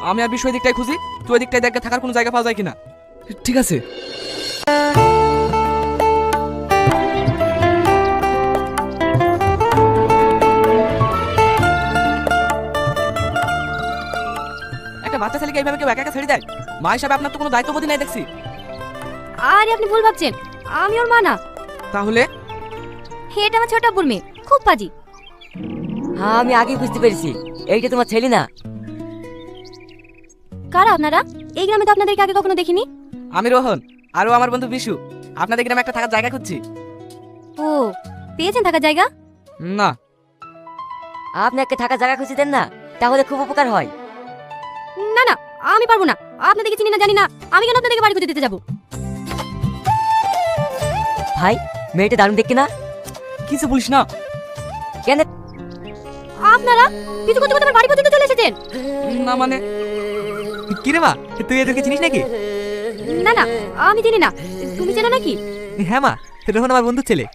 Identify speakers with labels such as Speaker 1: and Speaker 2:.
Speaker 1: আমি আর বিষয় দিকটাই খুঁজি, তুই ওই দিকটায় দেখ থাকার কোনো জায়গা পাওয়া যায় কিনা। ঠিক আছে। একটা বাচ্চা ছেলেকে এইভাবে কেউ একা একা ছেড়ে দেয়? মা হিসাবে আপনার তো কোনো দায়িত্ববোধই নাই দেখছি।
Speaker 2: আরে আপনি ভুল ভাবছেন, আমি ওর মা না।
Speaker 1: তাহলে?
Speaker 2: এটা আমার ছোট আব্বুর মেয়ে, খুব পাজি।
Speaker 3: হ্যাঁ আমি আগেই বুঝতে পেরেছি, এইটা তোমার ছেলে না।
Speaker 2: কারা আপনারা? এই গ্রামে তো আপনাদেরকে আগে কখনো দেখিনি।
Speaker 1: আমি রোহন, আরও আমার বন্ধু বিশু। আপনাদের গ্রামে একটা থাকার জায়গা খুঁজছি।
Speaker 2: ও, পেয়েছেন থাকার জায়গা?
Speaker 1: না।
Speaker 3: আপনি একটা থাকার জায়গা খুঁজে দেন না, তাহলে খুব উপকার হয়।
Speaker 2: না না, আমি পারবো না। আপনাদেরকে চিনি না জানি না, আমি কেন আপনাদেরকে বাড়ি খুঁজে দিতে যাবো?
Speaker 3: ভাই মেয়েটা দারুণ দেখতে না?
Speaker 1: কিছু বলিস না।
Speaker 3: কেন?
Speaker 2: আপনারা কিছু করতে করতে আমার বাড়ি পর্যন্ত চলে এসেছেন।
Speaker 1: না মানে কি রে মা, তুই এদেরকে চিনিস নাকি?
Speaker 2: না না, আমি চিনি না। তুমি চেনো নাকি?
Speaker 1: হ্যাঁ মা, রোহন আমার বন্ধু ছেলে।